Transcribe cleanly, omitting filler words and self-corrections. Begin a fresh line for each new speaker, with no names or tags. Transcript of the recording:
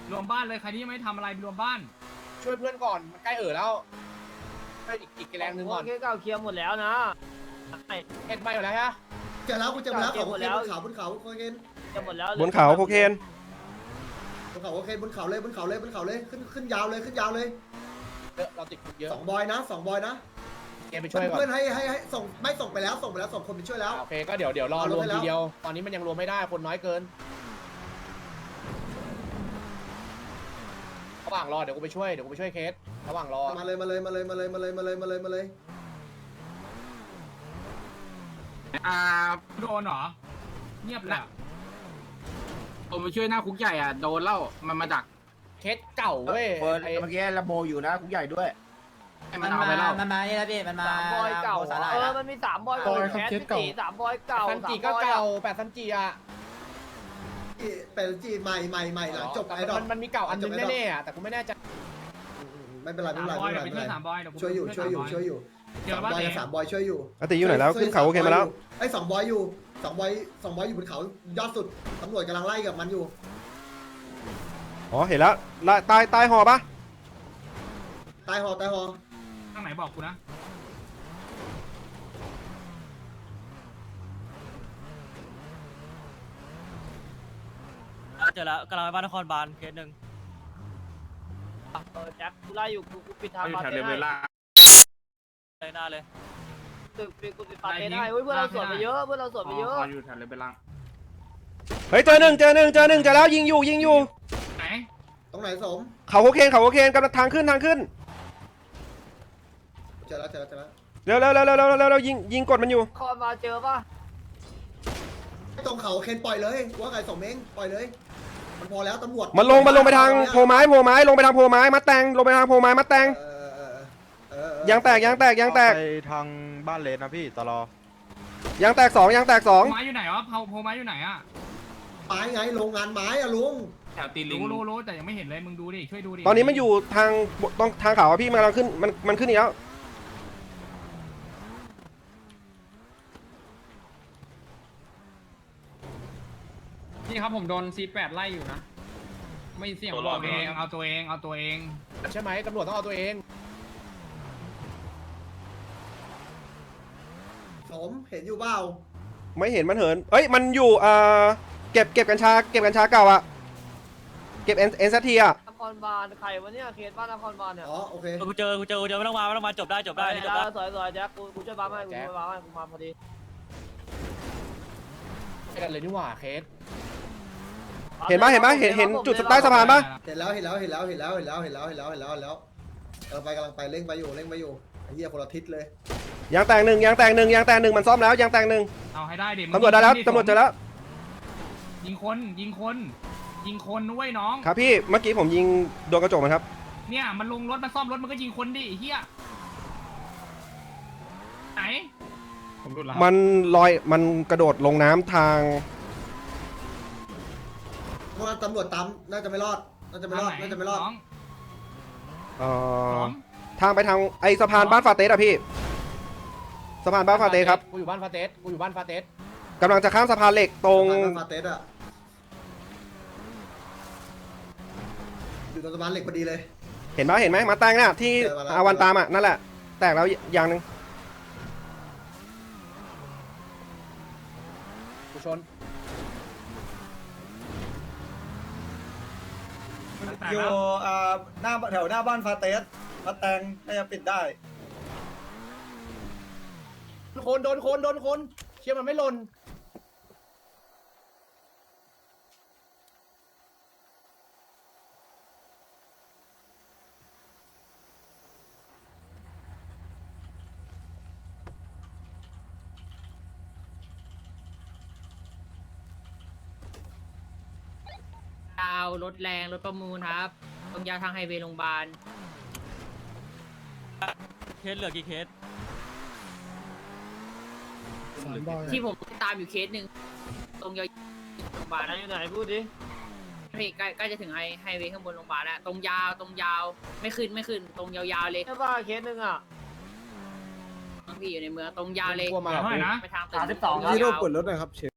รวมบ้านเลยใครที่ยังไม่ทำอะไรรวมบ้าน
ช่วยเพื่อนก่อนมันใกล้แล้วให้อีกแรงนึงก่อน
โอเคเก่าเคลียร์หมดแล้วนะ
เอ็ดไปหมดแล้วฮะ
เจอแล้วกูเจอแล้วเขาบนเขาบนเขาโคเคน
เคลียร์หมดแล้ว
บนเขาโคเคน
บนเขาโอเคบนเขาเลยบนเขาเลยบนเขาเลยขึ้นยาวเลยขึ้นยาวเลย
เราติดเยอะ
2 บอยนะ2 บอยนะ
เกมไปช่วยก่อน
เพื่อนให้ส่งไม่ส่งไปแล้วส่งไปแล้ว2 คนไปช่วยแล้ว
โอเคก็เดี๋ยวรอรวมทีเดียวตอนนี้มันยังรวมไม่ได้คนน้อยเกินระหว่างรอเดี๋ยวกูไปช่วยเคสระหว่างรอ
มาเลย
โดนเหรอเงียบเลย
ผมไปช่วยหน้าคุกใหญ่อ่ะโดนเล่ามันมาดัก
เคสเก่าเว้ย
เมื่อกี้ระโบอยู่นะคุกใหญ่ด้วย
ให้มันเอาไปเล่า
มันมานี่แล้วพี่มันมา
3 บอยเก่ามันมี3 บอยเก่าแคส4 3 บอยเก่า
ซันจิก็เก่า8ซันจิอ่ะ
เป็นจีใหม่หลังจบไอ้ดอก
มันมีเก่าอันนึงแน่ๆอ่ะแต่กูไม่แน่ใจ
ไม่เป็นไร
3 บอยเดี๋ยวไปช่วย3 บอยเดี๋ยว
ช่วยอยู่
3 บอย
3 บอยช่วยอยู่
อาติอยู่ไหนแล้วขึ้นเขาโอเคมาแล้ว
ไอ้2 บอยอยู่2 บอยอยู่บนเขายอดสุดตำรวจกำลังไล่กับมันอยู่
อ๋อเห็นแล้วใต้หอปะ
ตายหอ
ทางไหนบอกกูนะ
เจอแล้วกำลังไปบ้านนครบาลเคสหนึ่ง
แจ็คกูไล่อยู่กูปิดทาง
อยู่
มา
แถว
เต้
เลเวลล่า
เลยหน้าเลย
กูปิดปาเต้ได้เพื่อนเราสวนไปเยอะ
อยู่แถวเลเวลล่า
เฮ้ยเจอหนึ่งเจอแล้วยิงอยู่
ไหน
ตรงไหนสม
เขาโคเคนกำลังทางขึ้น
เจอแล้ว
เร็วยิงกดมันอยู่
คอนมาเจอป่ะ
ตรงเขาเคนปล่อยเลยว่าไงสมเองปล่อยเลยมันพอแล้วตำรวจ
มันลงไปทางโพไม้ลงไปทางโพไม้มัดแตงลงไปทางโพไม้มัดแตงยางแตก
ไปทางบ้านเลนนะพี่ตลอย
างแตก 2
ไม้อยู่ไหนวะโพไม้อยู่ไหนอ่ะ
ไม้ไงโรงงานไม้อะลุง
แถวตีลิง
รู้แต่ยังไม่เห็นเลยมึงดูดิช่วยดูดิ
ตอนนี้มันอยู่ทางเขาอะพี่มันกำลังขึ้นมันขึ้นอีกแล้ว
นี่ครับผมโดน C8 ไล่อยู่นะไม่เสี่ยงบอกเองเอาตัวเอง
ใช่ไหมตำรวจต้องเอาตัวเอง
สมเห็นอยู่เปล่า
ไม่เห็นมันเหินเอ้ยมันอยู่เก็บกัญชาเก่าอะเก็บเอ็นซัตทีอะ
นครบาลใครวะเนี่ยเคสบ้านนครบาลเนี่ย
อ๋อโอเค
กูเจอไม่ต้องมาจบได้นี่จบได้
สวยแจ็คกูช่วยบ้าให้กูมาพอดี
ไปกันเลยนี่หว่าเคส
เห็นปะเห็นจุดใต้สะพานปะ
เห็นแล้วกำลังไปเร่งไปอยู่ไอ้เหี้ยคนละทิศเลย
ยางแตกหนึ่งมันซ่อมแล้วยางแตกหนึ่ง
เอาให้ได้ดิ
ตำรวจได้แล้วตำรวจเจอแล้ว
ยิงคนด้วยน้อง
ครับพี่เมื่อกี้ผมยิงโดนกระจกมันครับ
เนี่ยมันลงรถมาซ่อมรถมันก็ยิงคนดิเฮียไหน
มันมันกระโดดลงน้ำทาง
พวกนั้นตำรวจตามน่าจะไม่รอด
น้อง
ทางไปทางไอสะพานบ้านฟาเตสอะพี่สะพานบ้านฟาเตสครับ
กูอยู่บ้านฟาเตส
กำลังจะข้ามสะพานเหล็กตรง
ฟาเตสอะอยู่ตรงสะพานเหล็กพอดีเลย
เห็นไหมมาแตงน่ะที่อาวันตามอะนั่นแหละแตกแล้วอย่างหนึ่ง
กูชน
อยู่หน้าแถวหน้าบ้านฟาเตสมาแตงน่าจะปิดได้
โดนคนเชี่ยมันไม่หล่น
ดาวรถแรงรถประมูลครับตรงยาวทางไฮเวย์โรงพยาบาล
เคสเหลือกี่เคส
ที่ผมตามอยู่เคสหนึ่งตรงยาวโรงพยาบาล
อยู่ไหนพูดดิ
พี่ใกล้จะถึงไฮเวย์ข้างบนโรงพยาบาลแล้วตรงยาวไม่ขึ้นตรงยาวๆเลย
ใช่ป่ะเคสหนึ่งอ่ะ
พี่อยู่ในเมืองตรงยาวเลย
กลัวมา
เท่าไหร่นะ
ไปทางตึก
32
ที่รูปเปิดรถหน่อยครับเช